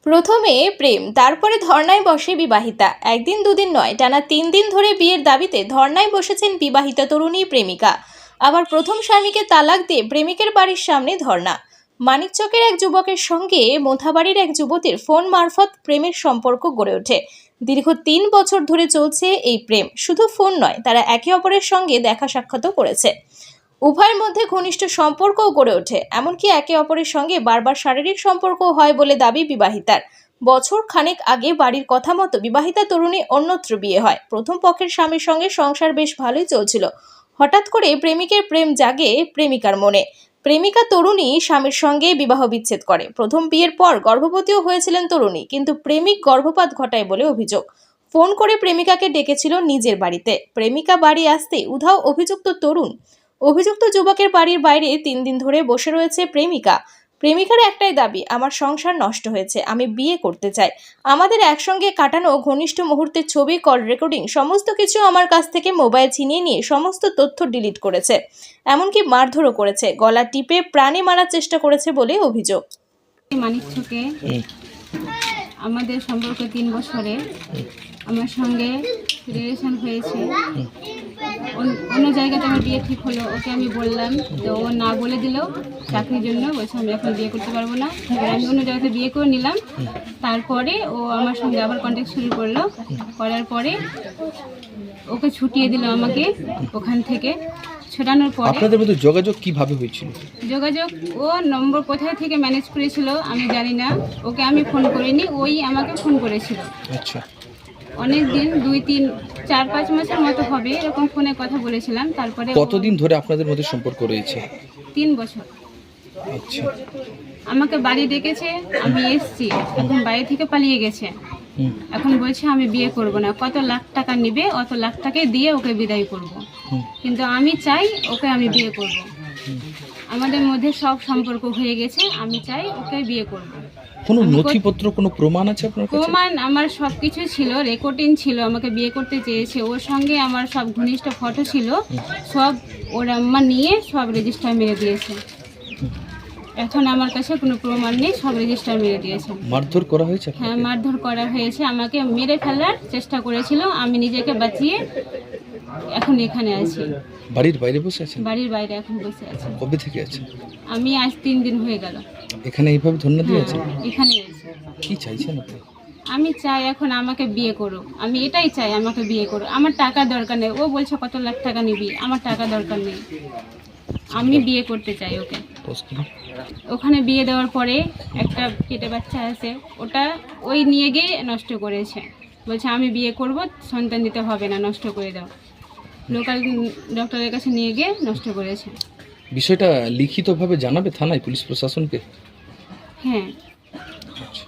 প্রথমে প্রেম, তারপরে ধর্নায় বসে বিবাহিতা। একদিন দুদিন নয়, টানা 3 দিন ধরে বিয়ের দাবিতে ধর্নায় বসেছেন বিবাহিতা তরুণী প্রেমিকা। আবার প্রথম স্বামীকে তালাক দিয়ে প্রেমিকের বাড়ির সামনে ধর্না। মানিকচকের এক যুবকের সঙ্গে মোথাবাড়ির এক যুবতীর ফোন মারফত প্রেমের সম্পর্ক গড়ে ওঠে। দীর্ঘ 3 বছর ধরে চলছে এই প্রেম। শুধু ফোন নয়, তারা একে অপরের সঙ্গে দেখা সাক্ষাৎও করেছে। উভয়ের মধ্যে ঘনিষ্ঠ সম্পর্কও গড়ে ওঠে, এমনকি একে অপরের সঙ্গে বারবার শারীরিক সম্পর্কও হয় বলে দাবি বিবাহিতার। বছর খানেক আগে বাড়ির কথা মতো বিবাহিতা তরুণী অন্যত্র বিয়ে হয়। প্রথম পক্ষের স্বামীর সঙ্গে সংসার বেশ ভালোই চলছিল। হঠাৎ করে প্রেমিকের প্রেম জাগে প্রেমিকার মনে। প্রেমিকা তরুণী স্বামীর সঙ্গে বিবাহ বিচ্ছেদ করে। প্রথম বিয়ের পর গর্ভবতীও হয়েছিলেন তরুণী, কিন্তু প্রেমিক গর্ভপাত ঘটায় বলে অভিযোগ। ফোন করে প্রেমিকাকে ডেকেছিল নিজের বাড়িতে। প্রেমিকা বাড়ি আসতে উধাও অভিযুক্ত তরুণ। অভিযুক্ত যুবকের বাড়ির বাইরে 3 দিন ধরে বসে রয়েছে প্রেমিকা। প্রেমিকার একটাই দাবি, আমার সংসার নষ্ট হয়েছে, আমি বিয়ে করতে চাই। আমাদের একসঙ্গে কাটানো ঘনিষ্ঠ মুহূর্তের ছবি, কল রেকর্ডিং সমস্ত কিছু আমার কাছ থেকে মোবাইল ছিনিয়ে নিয়ে সমস্ত তথ্য ডিলিট করেছে। এমনকি মারধরও করেছে, গলা টিপে প্রাণে মারার চেষ্টা করেছে বলে অভিযোগ। মানিকচকে আমাদের সম্পর্ক 3 বছরে আমার সঙ্গে রিলেশন হয়েছে। অন্য জায়গাতে আমার বিয়ে ঠিক হলো, ওকে আমি বললাম, তো ও না বলে দিল চাকরির জন্য। বলছে আমি এখন বিয়ে করতে পারবো না। আমি অন্য জায়গাতে বিয়ে করে নিলাম। তারপরে ও আমার সঙ্গে আবার কন্ট্যাক্ট শুরু করলো। করার পরে ওকে ছুটিয়ে দিল আমাকে ওখান থেকে। ছোটানোর পরে আপনাদের মধ্যে যোগাযোগ কিভাবে হয়েছিল? যোগাযোগ ও নম্বর কোথায় থেকে ম্যানেজ করেছিল আমি জানি না। ওকে আমি ফোন করিনি, ওই আমাকে ফোন করেছিল। আচ্ছা, অনেক দিন 2-3-4-5 মাসের মতো হবে এরকম ফোনে কথা বলেছিলাম। তারপরে কতদিন ধরে আপনাদের মধ্যে সম্পর্ক রয়েছে? 3 বছর। আচ্ছা, আমাকে বাড়ি ডেকেছে, আমি এসেছি। এখন বাড়ি থেকে পালিয়ে গেছে। এখন বলছে আমি বিয়ে করব না। কত লাখ টাকা নেবে, অত লাখ টাকা দিয়ে ওকে বিদায় করব। কিন্তু আমি চাই ওকে আমি বিয়ে করব। আমাদের মধ্যে সব সম্পর্ক হয়ে গেছে, আমি চাই ওকে বিয়ে করব। কোনো নথিপত্র, কোনো প্রমাণ আছে আপনার কাছে? প্রমাণ আমার সব কিছু ছিল, রেকর্ডিং ছিল। আমাকে বিয়ে করতে চেয়েছে, ওর সঙ্গে আমার সব ঘনিষ্ঠ ফটো ছিল, সব ওর আম্মা নিয়ে সব রেজিস্টার মেরে দিয়েছে। এখন আমার কাছে কোনো প্রমাণ নেই, সব রেজিস্টার মেরে দিয়েছে। মারধর করা হয়েছে? হ্যাঁ, মারধর করা হয়েছে, আমাকে মেরে ফেলার চেষ্টা করেছিল। আমি নিজেকে বাঁচিয়ে এখন এখানে আছি। বাড়ির বাইরে বসে আছেন? বাড়ির বাইরে এখন বসে আছি। কবে থেকে আছেন? আমি আজ 3 দিন হয়ে গেল এখানে এইভাবে ধন্য দিয়ে আছেন? এখানে আছি। কি চাইছেন আপনি? আমি চাই এখন আমাকে বিয়ে করো। আমি এটাই চাই, আমাকে বিয়ে করো। আমার টাকা দরকার নেই। ও বলছে কত লাখ টাকা নিবি, আমার টাকা দরকার নেই। আমি বিয়ে করতে চাই ওকে। ওখানে বিয়ে দেওয়ার পরে একটা পেটে বাচ্চা আছে, ওটা ওই নিয়ে গিয়ে নষ্ট করেছে। বলছে আমি বিয়ে করব, সন্তান দিতে হবে না, নষ্ট করে দাও। লোকাল ডক্টরের কাছে নিয়ে গিয়ে নষ্ট করেছে। বিষয়টা লিখিতভাবে জানাবে থানায়, পুলিশ প্রশাসনকে? হ্যাঁ। আচ্ছা।